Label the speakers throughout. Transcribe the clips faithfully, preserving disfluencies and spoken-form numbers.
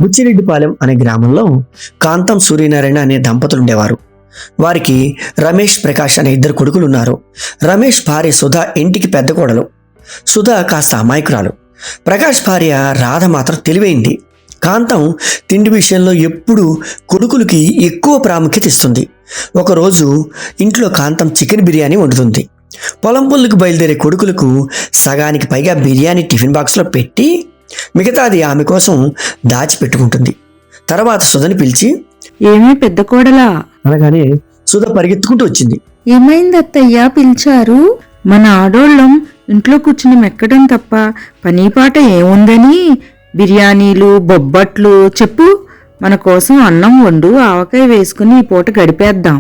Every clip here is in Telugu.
Speaker 1: బుచ్చిరెడ్డిపాలెం అనే గ్రామంలో కాంతం సూర్యనారాయణ అనే దంపతులు ఉండేవారు. వారికి రమేష్, ప్రకాష్ అనే ఇద్దరు కొడుకులు ఉన్నారు. రమేష్ భార్య సుధా ఇంటికి పెద్ద కోడలు. సుధా కాస్త అమాయకురాలు. ప్రకాష్ భార్య రాధ మాత్రం తెలివైంది. కాంతం తిండి విషయంలో ఎప్పుడూ కొడుకులకి ఎక్కువ ప్రాముఖ్యత ఇస్తుంది. ఒకరోజు ఇంట్లో కాంతం చికెన్ బిర్యానీ వండుతుంది. పొలం పనులకు బయలుదేరే కొడుకులకు సగానికి పైగా బిర్యానీ టిఫిన్ బాక్స్లో పెట్టి మిగతాది ఆమె కోసం దాచిపెట్టుకుంటుంది. తర్వాత సుధని పిలిచి,
Speaker 2: ఏమీ పెద్ద కోడలా
Speaker 1: అనగానే సుధ పరిగెత్తుకుంటూ వచ్చింది.
Speaker 2: ఏమైంది అత్తయ్యా పిలిచారు? మన ఆడోళ్ళం ఇంట్లో కూర్చుని మెక్కడం తప్ప పనీపాట ఏముందని బిర్యానీలు, బొబ్బట్లు చెప్పు. మన కోసం అన్నం వండు, ఆవకాయ వేసుకుని ఈ పూట గడిపేద్దాం.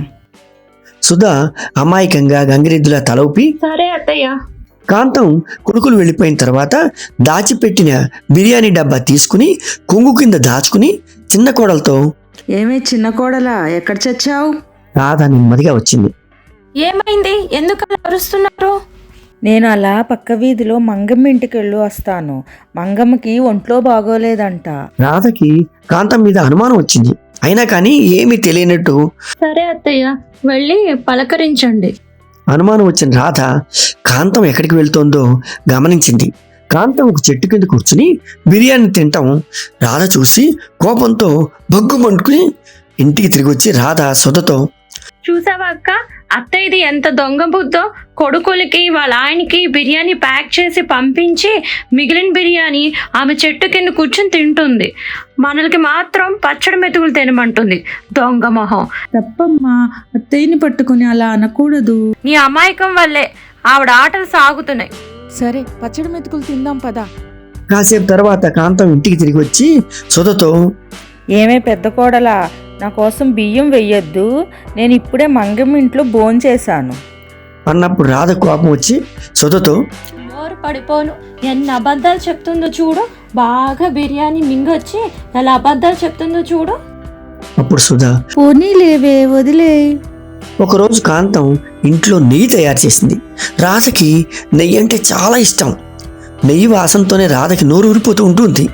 Speaker 1: సుధ అమాయకంగా గంగిరెద్దులా తల ఊపి
Speaker 3: సరే అత్తయ్య.
Speaker 1: కాంతం కొడుకులు వెళ్ళిపోయిన తర్వాత దాచిపెట్టిన బిర్యానీ డబ్బా తీసుకుని కొంగు కింద దాచుకుని చిన్న కోడలతో,
Speaker 2: ఏమే చిన్న కోడలా ఎక్కడ చచ్చావు?
Speaker 1: రాధ నెమ్మదిగా వచ్చింది.
Speaker 3: ఏమైంది? ఎందుకు అలా అరుస్తున్నారు?
Speaker 2: నేను అలా పక్క వీధిలో మంగమ్మ ఇంటికెళ్ళు వస్తాను. మంగమ్మకి ఒంట్లో బాగోలేదంట.
Speaker 1: రాధకి కాంతం మీద అనుమానం వచ్చింది. అయినా కానీ ఏమీ తెలియనట్టు
Speaker 3: సరే అత్తయ్య, వెళ్ళి పలకరించండి.
Speaker 1: అనుమానం వచ్చిన రాధ కాంతం ఎక్కడికి వెళ్తోందో గమనించింది. కాంతం ఒక చెట్టు కింద కూర్చుని బిర్యానీ తింటాం రాధ చూసి కోపంతో బగ్గుమంటుకుని ఇంటికి తిరిగి వచ్చి రాధ సుధతో,
Speaker 3: చూసావా అక్క, అత్తయ్యది ఎంత దొంగ బుద్ధో. కొడుకులకి వాళ్ళ ఆయనకి బిర్యానీ ప్యాక్ చేసి పంపించి మిగిలిన బిర్యానీ ఆమె చెట్టు కింద కూర్చొని తింటుంది. మనలకి మాత్రం పచ్చడి మెతుకులు తినమంటుంది. దొంగ మొహం.
Speaker 2: తప్పమ్మా, అత్తయ్యని పట్టుకుని అలా అనకూడదు.
Speaker 3: నీ అమాయకం వల్లే ఆవిడ ఆటలు సాగుతున్నాయి.
Speaker 2: సరే పచ్చడి మెతుకులు తిందాం పదా.
Speaker 1: కాసేపు తర్వాత కాంతం ఇంటికి తిరిగి వచ్చి సుధతో,
Speaker 2: ఏమే పెద్ద కోడలా, నా కోసం బియ్యం వెయ్యొద్దు. నేను ఇప్పుడే మంగమ్మ ఇంట్లో భోంచేశాను
Speaker 1: అన్నప్పుడు రాధ కోపం వచ్చి సుధతో,
Speaker 3: నోరు పడిపోను, ఎన్ని అబద్ధాలు చెప్తుందో చూడు. బాగా బిర్యానీ మింగొచ్చి ఎలా అబద్ధాలు చెప్తుందో చూడు.
Speaker 1: అప్పుడు సుధ,
Speaker 2: పోనీ లేవే వదిలే.
Speaker 1: ఒకరోజు కాంతం ఇంట్లో నెయ్యి తయారు చేసింది. రాధకి నెయ్యి అంటే చాలా ఇష్టం. నెయ్యి వాసనతోనే రాధకి నోరు ఊరిపోతూ ఉంటుంది.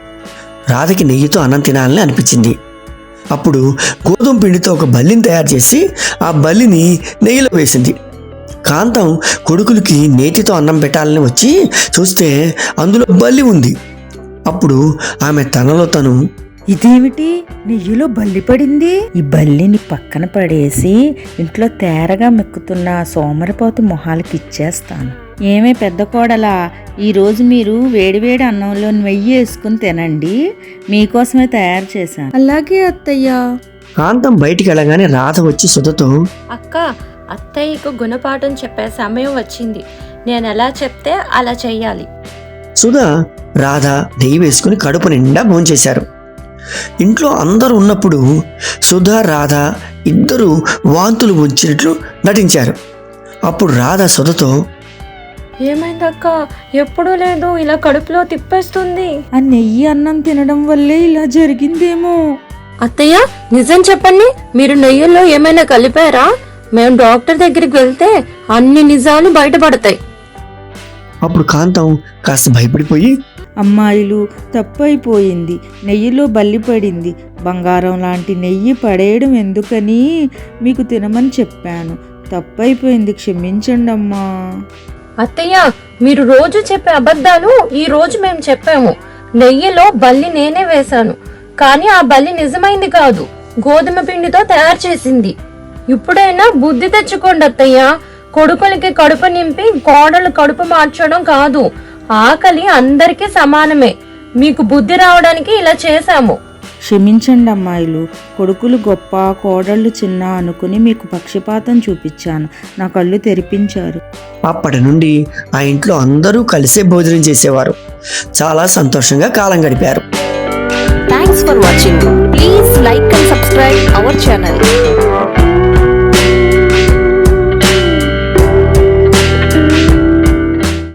Speaker 1: రాధకి నెయ్యితో అన్నం తినాలని అనిపించింది. అప్పుడు గోధుమ పిండితో ఒక బల్లిని తయారు చేసి ఆ బల్లిని నెయ్యిలో వేసింది. కాంతం కొడుకులకి నేతితో అన్నం పెట్టాలని వచ్చి చూస్తే అందులో బల్లి ఉంది. అప్పుడు ఆమె తనలో తను,
Speaker 2: ఇదేమిటి, నెయ్యిలో బల్లి పడింది? ఈ బల్లిని పక్కన పడేసి ఇంట్లో తేరగా మెక్కుతున్న సోమరిపోతు మొహాలకి ఇచ్చేస్తాను. ఏమే పెద్ద కోడలా, ఈరోజు మీరు వేడివేడి అన్నంలో నెయ్యి వేసుకుని తినండి, మీకోసమే తయారు చేశాను. అలాగే అత్తయ్యా.
Speaker 1: కాంతం బయటికి వెళ్ళగానే రాధ వచ్చి సుధతో,
Speaker 3: అక్క, అత్తయ్యకు గుణపాఠం చెప్పే సమయం వచ్చింది. నేను ఎలా చెప్తే అలా చెయ్యాలి.
Speaker 1: సుధ రాధ నెయ్యి వేసుకుని కడుపు నిండా భోంచేశారు. ఇంట్లో అందరూ ఉన్నప్పుడు సుధ రాధ ఇద్దరు వాంతులు వచ్చినట్లు నటించారు. అప్పుడు రాధ సుధతో,
Speaker 3: ఏమైందక్క, ఎప్పుడూ లేదు, ఇలా కడుపులో తిప్పేస్తుంది.
Speaker 2: ఆ నెయ్యి అన్నం తినడం వల్లే ఇలా జరిగిందేమో.
Speaker 3: అత్తయ్య, నిజం చెప్పండి, మీరు నెయ్యిలో ఏమైనా కలిపారా? మేము డాక్టర్ దగ్గరికి వెళ్తే అన్ని నిజాలు బయటపడతాయి.
Speaker 1: అప్పుడు కాంతం కాస్త భయపడిపోయి,
Speaker 2: అమ్మాయిలు తప్పైపోయింది, నెయ్యిలో బల్లి పడింది. బంగారం లాంటి నెయ్యి పడేయడం ఎందుకని మీకు తినమని చెప్పాను. తప్పైపోయింది, క్షమించండి అమ్మా.
Speaker 3: అత్తయ్య, మీరు రోజు చెప్పే అబద్ధాలు ఈ రోజు మేము చెప్పాము. నెయ్యిలో బల్లి నేనే వేశాను, కానీ ఆ బల్లి నిజమైంది కాదు, గోధుమ పిండితో తయారు చేసింది. ఇప్పుడైనా బుద్ధి తెచ్చుకోండి అత్తయ్య. కొడుకులకి కడుపు నింపి కోడలు కడుపు మార్చడం కాదు. ఆకలి అందరికీ సమానమే. మీకు బుద్ధి రావడానికి ఇలా చేశాము.
Speaker 2: క్షమించండి అమ్మాయిలు, కొడుకులు గొప్ప, కోడళ్ళు చిన్న అనుకుని మీకు పక్షపాతం చూపించాను. నా కళ్ళు తెరిపించారు.
Speaker 1: అప్పటి నుండి ఆ ఇంట్లో అందరూ కలిసే భోజనం చేసేవారు. చాలా సంతోషంగా కాలం గడిపారు.
Speaker 4: Thanks for watching. Please like and subscribe our channel.